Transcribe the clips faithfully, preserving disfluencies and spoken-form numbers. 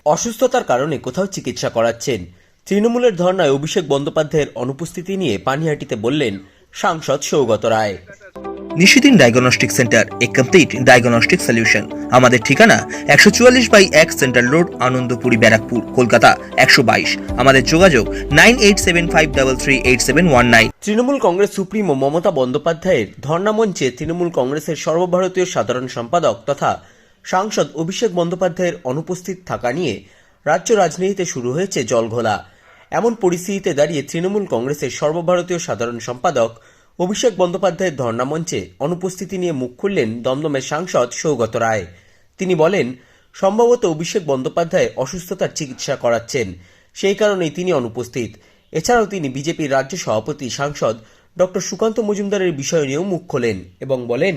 অসুস্থতার কারণে কোথাও চিকিৎসা করাচ্ছেন। তৃণমূলের ধর্নায় অভিষেক বন্দ্যোপাধ্যায়ের অনুপস্থিতি নিয়ে পানিহাটিতে বললেন সাংসদ Saugata Roy. Nishidin diagnostic centre, a complete diagnostic solution. আমাদের ঠিকানা একশো চুয়াল্লিশ বাই এক সেন্ট্রাল রোড, আনন্দপুরি, ব্যারাকপুর, কলকাতা একশো বাইশ। আমাদের যোগাযোগ nine eight seven five three three eight seven one nine. Trinamool Congress supremo Mamata বন্দ্যোপাধ্যায়ের ধর্না মঞ্চে তৃণমূল কংগ্রেসের সর্বভারতীয় সাধারণ সম্পাদক তথা সাংসদ অভিষেক বন্দ্যোপাধ্যায়ের অনুপস্থিত থাকা নিয়ে রাজ্য রাজনীতিতে শুরু হয়েছে জলঘোলা। এমন পরিস্থিতিতে দাঁড়িয়ে তৃণমূল কংগ্রেসের সর্বভারতীয় সাধারণ সম্পাদক অভিষেক বন্দ্যোপাধ্যায়ের ধর্না মঞ্চে অনুপস্থিতি নিয়ে মুখ খুললেন দমদমের সাংসদ সৌগত রায়। তিনি বলেন, সম্ভবত অভিষেক বন্দ্যোপাধ্যায় অসুস্থতার চিকিৎসা করাচ্ছেন, সেই কারণেই তিনি অনুপস্থিত। এছাড়াও তিনি বিজেপির রাজ্য সভাপতি সাংসদ ডক্টর সুকান্ত মজুমদারের বিষয় নিয়েও মুখ খোলেন এবং বলেন,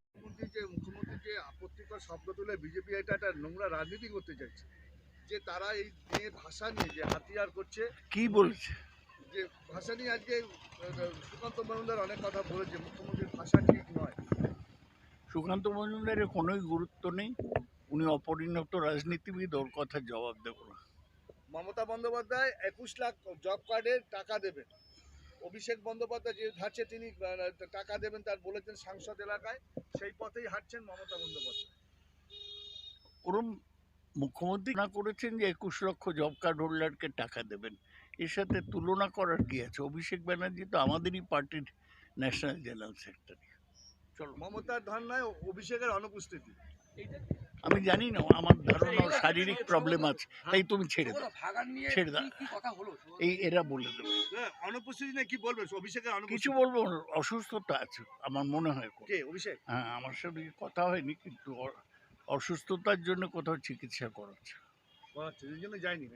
শব্দ তুলে বিজেপি এটা একটা নোংরা রাজনীতি করতে চাইছে, যে তারা এই নিয়ে ভাষা নিয়ে যে হাতিয়ার করছে। কি বলছে যে ভাষা নিয়ে আজকে সুকান্ত মজুমদার অনেক কথা বলেছে, মুখ্যমন্ত্রীর ভাষা ঠিক নয়। সুকান্ত মজুমদারের কোনোই গুরুত্ব নেই, উনি অপরিণত রাজনীতিবিদ, ওর কথার জবাব দেব না। মমতা বন্দ্যোপাধ্যায় একুশ লাখ জব কার্ডের টাকা দেবেন, অভিষেক বন্দ্যোপাধ্যায় যে হাঁটছে তিনি টাকা দেবেন তার বলেছেন সাংসদ এলাকায়, সেই পথেই হাঁটছেন মমতা বন্দ্যোপাধ্যায়। ওরম মুখ্যমন্ত্রী না করেছেন যে একুশ লক্ষ জব কার্ড হোল্ডারকে টাকা দেবেন, এর সাথে তুলনা করার কি আছে? অভিষেক ব্যানার্জি তো আমাদেরই পার্টির ন্যাশনাল জেনারেল সেক্রেটারি। চলো, মমতার ধর্নায় অভিষেকের অনুপস্থিতি আমি জানি না, আমার ধারণা শারীরিক প্রবলেম আছে, তাই তুমি ছেড়ে দাও, ছেড়ে দাও, এই এরা বলে দেবে। অনুপস্থিতি নিয়ে কি বলবে? অভিষেকের কিছু বলবো, অসুস্থতা আছে আমার মনে হয়। কে অভিষেক? হ্যাঁ, আমার সাথে কথা হয়নি, কিন্তু অসুস্থতার জন্য কোথাও চিকিৎসা করাচ্ছে, এই জন্য যায়নি।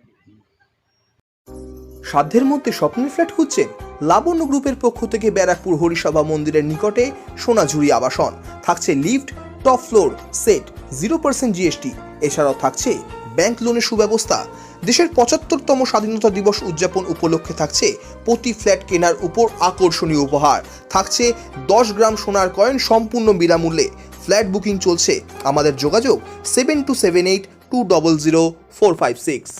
সাধ্যের মধ্যে স্বপ্নের ফ্ল্যাট খুঁজছেন? লাবণ্য গ্রুপের পক্ষ থেকে ব্যারাকপুর হরিসভা মন্দিরের নিকটে সোনাঝুরি আবাসন। থাকছে lift, top floor, set, zero percent GST. এছাড়াও থাকছে ব্যাংক লোনের সুব্যবস্থা। দেশের পঁচাত্তরতম স্বাধীনতা দিবস উদযাপন উপলক্ষে থাকছে প্রতি ফ্ল্যাট কেনার উপর আকর্ষণীয় উপহার। থাকছে দশ গ্রাম সোনার কয়েন সম্পূর্ণ বিনামূল্যে। ফ্ল্যাট বুকিং চলছে। আমাদের যোগাযোগ seven two seven eight two double zero four five six.